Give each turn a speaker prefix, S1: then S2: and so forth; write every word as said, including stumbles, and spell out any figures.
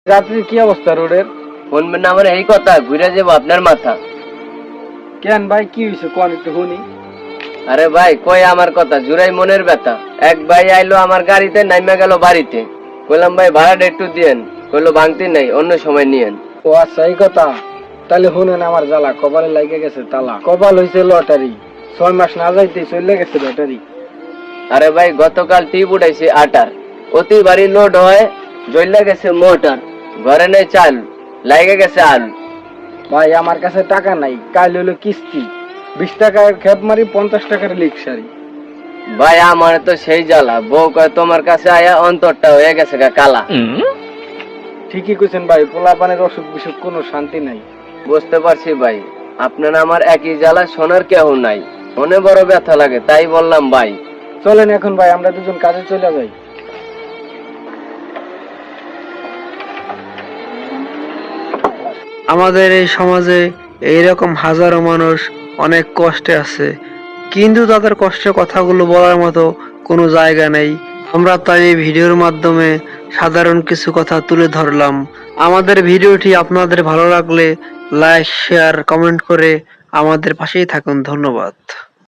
S1: রাত্রির কি অবস্থা রোডের?
S2: শুনবেন না আমার এই কথা, ঘুরে যাবো আপনার মাথা।
S1: কেন ভাই, কি হয়েছে কোন একটু শুনি।
S2: আরে ভাই কই আমার কথা, জুড়াই মনের ব্যথা। এক ভাই আইলো আমার গাড়িতে, নাইমা গেল বাড়িতে। কইলাম ভাই ভাড়াটা একটু দিয়েন, কইলো ভাঙতি নাই, অন্য সময় নিয়েন।
S1: ও আচ্ছা, এই কথা। তাহলে শুনেন, আমার জ্বালা কপালে লাগে গেছে তালা। কপাল হয়েছে লটারি, ছয় মাস না যাইতে চলে গেছে লটারি।
S2: আরে ভাই গতকাল টিপ উঠাইছি আটার, অতি বাড়ি লোড হয়, জ্বললে গেছে মোটর, ঘরে নেই চাল, লাগে গেছে আলু।
S1: ভাই আমার কাছে টাকা নাই, কাল হইলো কিস্তি, বিশ টাকার খেপ মারি, পঞ্চাশ টাকার লিক সারি।
S2: ভাই আমার তো সেই জ্বালা, বউ কয় তোমার কাছে আয়া অন্তরটা হয়ে গেছে গা কালা।
S1: ঠিকই কইছেন ভাই, পোলাপানের অসুখ বিসুখ কোনো শান্তি নাই।
S2: বুঝতে পারছি ভাই, আপনার আমার একই জ্বালা, শোনার কেউ নাই, মনে বড় ব্যথা লাগে, তাই বললাম ভাই।
S1: চলেন এখন ভাই আমরা দুজন কাজে চলে যাই।
S3: আমাদের এই সমাজে এইরকম হাজারো মানুষ অনেক কষ্টে আছে, কিন্তু তাদের কষ্টের কথাগুলো বলার মতো কোনো জায়গা নেই। আমরা তাই এই ভিডিওর মাধ্যমে সাধারণ কিছু কথা তুলে ধরলাম। আমাদের ভিডিওটি আপনাদের ভালো লাগলে লাইক, শেয়ার, কমেন্ট করে আমাদের পাশেই থাকুন। ধন্যবাদ।